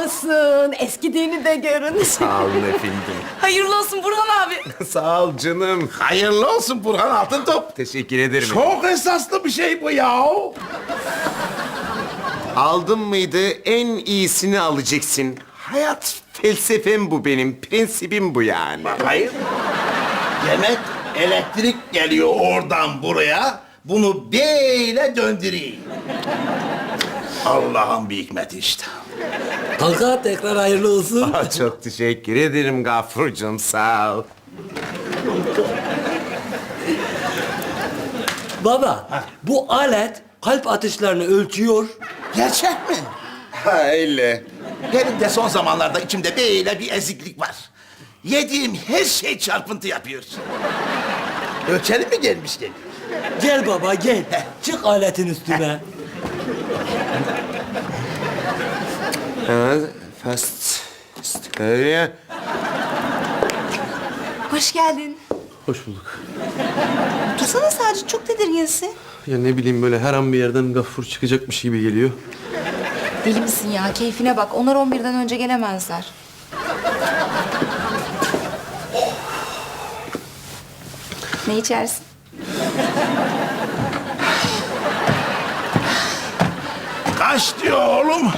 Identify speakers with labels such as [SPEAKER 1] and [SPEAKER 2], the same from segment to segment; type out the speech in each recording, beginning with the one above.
[SPEAKER 1] olsun. Eskidiğini de görün.
[SPEAKER 2] Sağ olun efendim.
[SPEAKER 3] Hayırlı olsun Burhan abi.
[SPEAKER 2] Sağ ol canım.
[SPEAKER 4] Hayırlı olsun Burhan Altıntop.
[SPEAKER 2] Teşekkür ederim.
[SPEAKER 4] Çok esaslı bir şey bu ya.
[SPEAKER 2] Aldın mıydı en iyisini alacaksın. Hayat felsefem bu benim. Prensibim bu yani.
[SPEAKER 4] Hayır. Demek elektrik geliyor oradan buraya. Bunu böyle döndüreyim. Allah'ın bir hikmeti işte.
[SPEAKER 5] Kanka tekrar hayırlı olsun.
[SPEAKER 2] Çok teşekkür ederim Gafurcuğum. Sağ ol.
[SPEAKER 5] Baba, bu alet kalp atışlarını ölçüyor.
[SPEAKER 4] Gerçek mi?
[SPEAKER 2] Ha öyle.
[SPEAKER 4] Benim de son zamanlarda içimde böyle bir eziklik var. Yediğim her şey çarpıntı yapıyor. Ölçelim mi gelmişken?
[SPEAKER 5] Gel baba gel. Çık aletin üstüne.
[SPEAKER 2] Evet. Fast. Öyle.
[SPEAKER 3] Hoş geldin.
[SPEAKER 6] Hoş bulduk.
[SPEAKER 3] Dursana sadece çok tedirginsin.
[SPEAKER 6] Ya ne bileyim böyle her an bir yerden Gaffur çıkacakmış gibi geliyor.
[SPEAKER 3] Deli misin ya? Keyfine bak. Onlar 11'den önce gelemezler. Ne içersin?
[SPEAKER 4] Kaç diyor oğlum?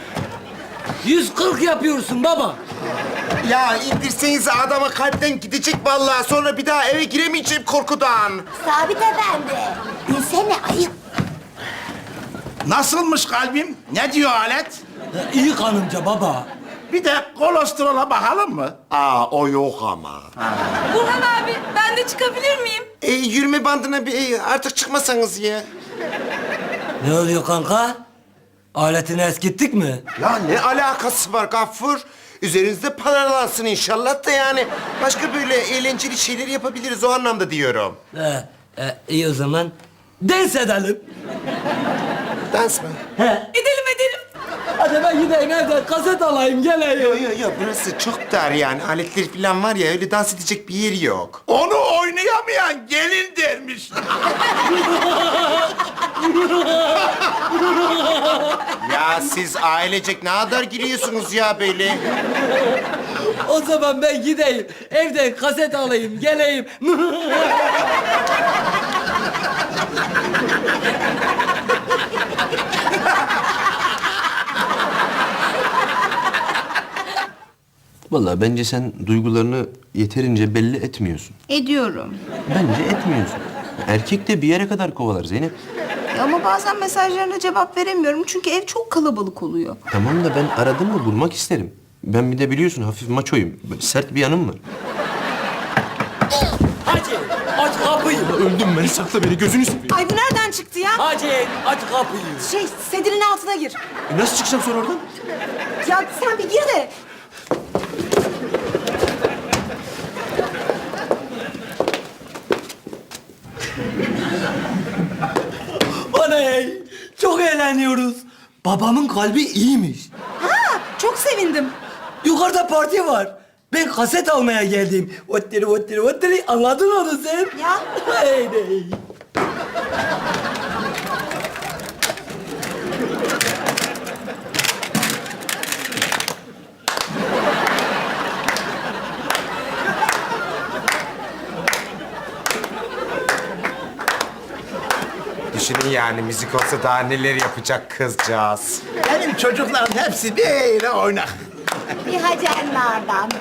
[SPEAKER 5] 140 yapıyorsun baba.
[SPEAKER 2] Ya indirseniz adama kalpten gidecek vallahi. Sonra bir daha eve giremeyeceğim korkudan.
[SPEAKER 1] Sabit efendi. Bilsene ayıp.
[SPEAKER 4] Nasılmış kalbim? Ne diyor alet?
[SPEAKER 5] İyi kanımca baba.
[SPEAKER 4] Bir de kolesterola bakalım mı?
[SPEAKER 2] Aa o yok ama.
[SPEAKER 3] Burhan abi ben de çıkabilir miyim?
[SPEAKER 2] Yürüme bandına bir artık çıkmasanız ya.
[SPEAKER 5] Ne oluyor kanka? Aletini eskittik mi?
[SPEAKER 2] Ya ne alakası var Gaffur? Üzerinizde paralansın inşallah da yani. Başka böyle eğlenceli şeyler yapabiliriz o anlamda diyorum.
[SPEAKER 5] İyi o zaman. Dans edelim.
[SPEAKER 2] Dans mı?
[SPEAKER 3] Edelim edelim.
[SPEAKER 5] Hadi ben gideyim evden kaset alayım geleyim.
[SPEAKER 2] Yok burası çok dar yani. Aletler falan var ya öyle dans edecek bir yer yok.
[SPEAKER 4] Onu oynayamayan gelin dermiş.
[SPEAKER 2] Ya siz ailecek ne kadar giriyorsunuz ya böyle?
[SPEAKER 5] O zaman ben gideyim evden kaset alayım geleyim.
[SPEAKER 6] Vallahi bence sen duygularını yeterince belli etmiyorsun.
[SPEAKER 3] Ediyorum.
[SPEAKER 6] Bence etmiyorsun. Erkek de bir yere kadar kovalar Zeynep.
[SPEAKER 3] Ama bazen mesajlarına cevap veremiyorum çünkü ev çok kalabalık oluyor.
[SPEAKER 6] Tamam da ben aradım mı bulmak isterim. Ben bir de biliyorsun hafif maçoyum. Böyle sert bir yanım var.
[SPEAKER 5] Hacı aç kapıyı.
[SPEAKER 6] Öldüm ben. Sakla beni gözünü seveyim.
[SPEAKER 1] Ay bu nereden çıktı ya?
[SPEAKER 5] Hacı aç kapıyı.
[SPEAKER 1] Sedirin altına gir.
[SPEAKER 6] Nasıl çıkacağım sonra oradan?
[SPEAKER 1] Ya sen bir gir de.
[SPEAKER 5] Oley! Çok eğleniyoruz. Babamın kalbi iyiymiş.
[SPEAKER 1] Çok sevindim.
[SPEAKER 5] Yukarıda parti var. Ben kaset almaya geldim. Ottiri ottiri ottiri. Anladın onu sen?
[SPEAKER 1] Ya.
[SPEAKER 5] Hey.
[SPEAKER 2] Düşünün yani müzik olsa daha neler yapacak kızcağız.
[SPEAKER 4] Benim çocukların hepsi böyle oynak.
[SPEAKER 1] Bir hacenlerden.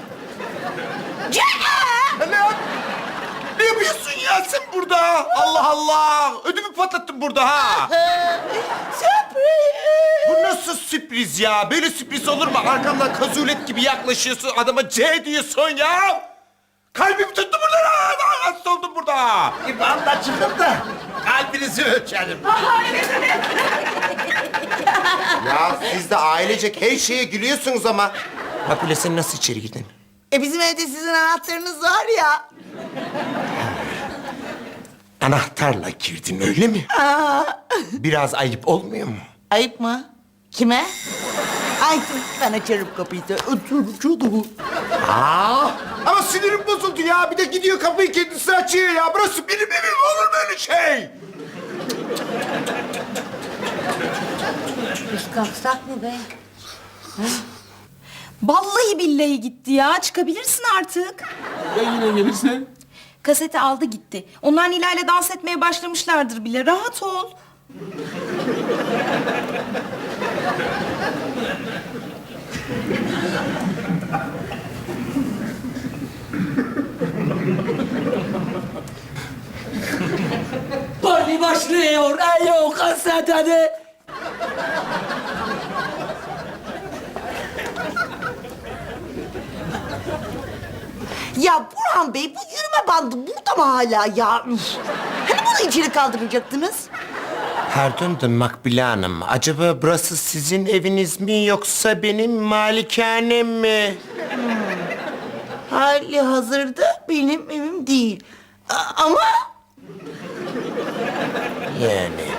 [SPEAKER 2] Lan! Ne yapıyorsun ya sen burada? Allah Allah! Ödümü patlattın burada ha!
[SPEAKER 1] Sürpriz.
[SPEAKER 2] Bu nasıl sürpriz ya? Böyle sürpriz olur mu? Arkamdan kazulet gibi yaklaşıyorsun, adama C diyorsun ya! Kalbim tuttu burada ha! Hasta oldum burada!
[SPEAKER 4] İban'da çıkıp da kalbinizi ölçelim.
[SPEAKER 2] Ya siz de ailecek her şeye gülüyorsunuz ama... Makbule sen nasıl içeri girdin?
[SPEAKER 1] Bizim evde sizin anahtarınız var ya.
[SPEAKER 2] Anahtarla girdin öyle mi? Biraz ayıp olmuyor mu?
[SPEAKER 1] Ayıp mı? Kime? Ay dur, ben açarım kapıyı. Açarım.
[SPEAKER 2] Ama sinirim bozuldu ya. Bir de gidiyor kapıyı kendisi açıyor ya. Burası benim evim, olur böyle şey.
[SPEAKER 1] Biz kalksak mı be?
[SPEAKER 3] Vallahi billahi gitti ya. Çıkabilirsin artık.
[SPEAKER 6] Ya yine gelirse?
[SPEAKER 3] Kaseti aldı gitti. Onlar Nilay'la dans etmeye başlamışlardır bile. Rahat ol.
[SPEAKER 5] Parti başlıyor. Ayo kaset hadi.
[SPEAKER 1] Ya Burhan Bey, bu yürüme bandı burada mı hala ya? Üf! Hani bunu içeri kaldıracaktınız?
[SPEAKER 2] Pardon da Makbule Hanım, acaba burası sizin eviniz mi yoksa benim malikanem mi?
[SPEAKER 1] Hali hazırda benim evim değil. Ama
[SPEAKER 2] Yani.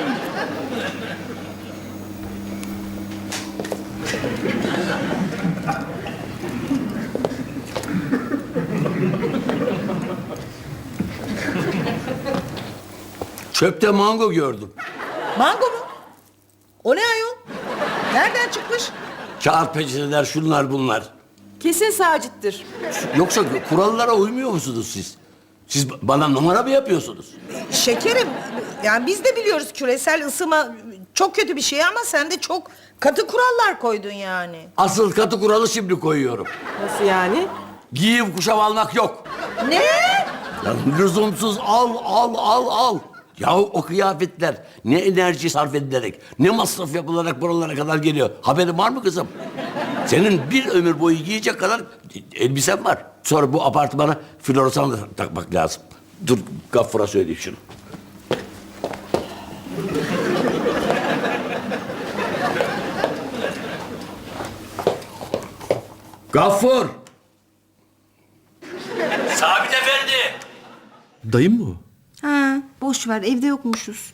[SPEAKER 7] Çöpte mango gördüm.
[SPEAKER 8] Mango mu? O ne ayol? Nereden çıkmış?
[SPEAKER 7] Kağıt peçeteler şunlar bunlar.
[SPEAKER 8] Kesin Sacit'tir.
[SPEAKER 7] Yoksa kurallara uymuyor musunuz siz? Siz bana numara mı yapıyorsunuz?
[SPEAKER 8] Şekerim, yani biz de biliyoruz küresel ısınma çok kötü bir şey ama sen de çok katı kurallar koydun yani.
[SPEAKER 7] Asıl katı kuralı şimdi koyuyorum.
[SPEAKER 8] Nasıl yani?
[SPEAKER 7] Giyim kuşam almak yok.
[SPEAKER 8] Ne?
[SPEAKER 7] Ya lüzumsuz al. Ya o kıyafetler ne enerji sarf edilerek, ne masraf yapılarak buralara kadar geliyor. Haberin var mı kızım? Senin bir ömür boyu giyecek kadar elbisen var. Sonra bu apartmana floresan da takmak lazım. Dur Gaffur'a söyleyeyim şunu. Gaffur! Sabit Efendi!
[SPEAKER 6] Dayım mı o?
[SPEAKER 3] Ha, boş ver. Evde yokmuşuz.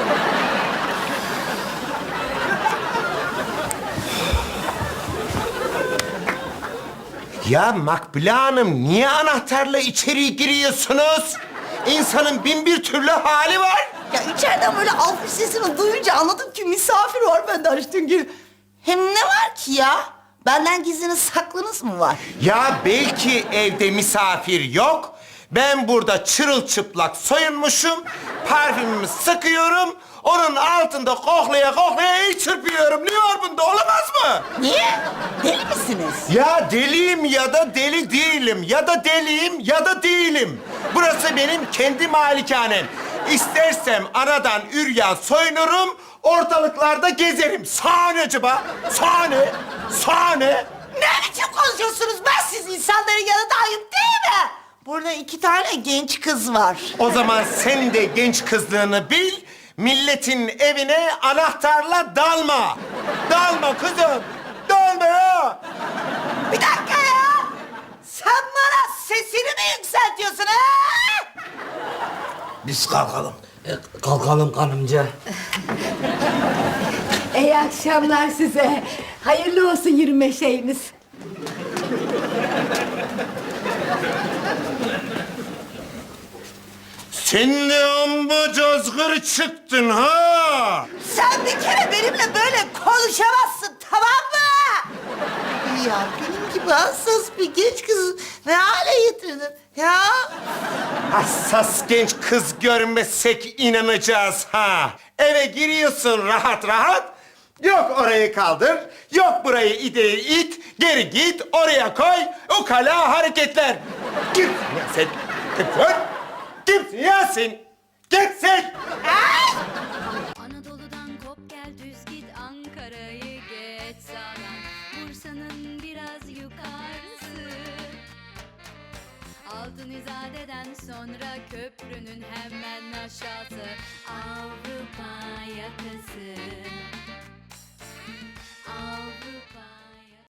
[SPEAKER 2] Ya Makbule Hanım, niye anahtarla içeri giriyorsunuz? İnsanın bin bir türlü hali var.
[SPEAKER 1] ya içeriden böyle alkış sesini duyunca anladım ki misafir var, ben de açtım gibi. Hem ne var ki ya? Benden gizliniz saklınız mı var?
[SPEAKER 2] Ya belki evde misafir yok. Ben burada çırılçıplak soyunmuşum. Parfümümü sıkıyorum. Onun altında koklaya koklaya el çırpıyorum. Ne var bunda, olamaz mı?
[SPEAKER 1] Niye? Deli misiniz?
[SPEAKER 2] Ya deliyim ya da deli değilim. Ya da deliyim ya da değilim. Burası benim kendi malikanem. İstersem anadan üryan soyunurum, ortalıklarda gezerim. Sahne acaba? Sahne.
[SPEAKER 1] Ne biçim konuşuyorsunuz? Ben siz insanların yanında ayıp değil mi? Burada 2 tane genç kız var.
[SPEAKER 2] O zaman sen de genç kızlığını bil, milletin evine anahtarla dalma. Dalma kızım, dalma ya.
[SPEAKER 1] Bir dakika ya! Sen bana sesini mi yükseltiyorsun ha?
[SPEAKER 4] Biz kalkalım.
[SPEAKER 5] Kalkalım kanımca.
[SPEAKER 9] İyi akşamlar size. Hayırlı olsun yürüme şeyiniz.
[SPEAKER 2] Sen de amma cazgır çıktın ha.
[SPEAKER 1] Sen bir kere benimle böyle konuşamazsın, tamam mı? Ya benim gibi hassas bir genç kızı ne hale getirdin ya?
[SPEAKER 2] Hassas genç kız görmesek inanacağız ha. Eve giriyorsun rahat rahat. Yok orayı kaldır, yok burayı ideyi it, geri git, oraya koy, ukala hareketler. Kimsin ya sen? Kimsin? Kimsin ya sen? Kimsin?
[SPEAKER 10] Anadolu'dan kop gel düz git Ankara'yı geç sağdan Bursa'nın biraz yukarısı Altın İzade'den sonra köprünün hemen aşağısı Avrupa yakası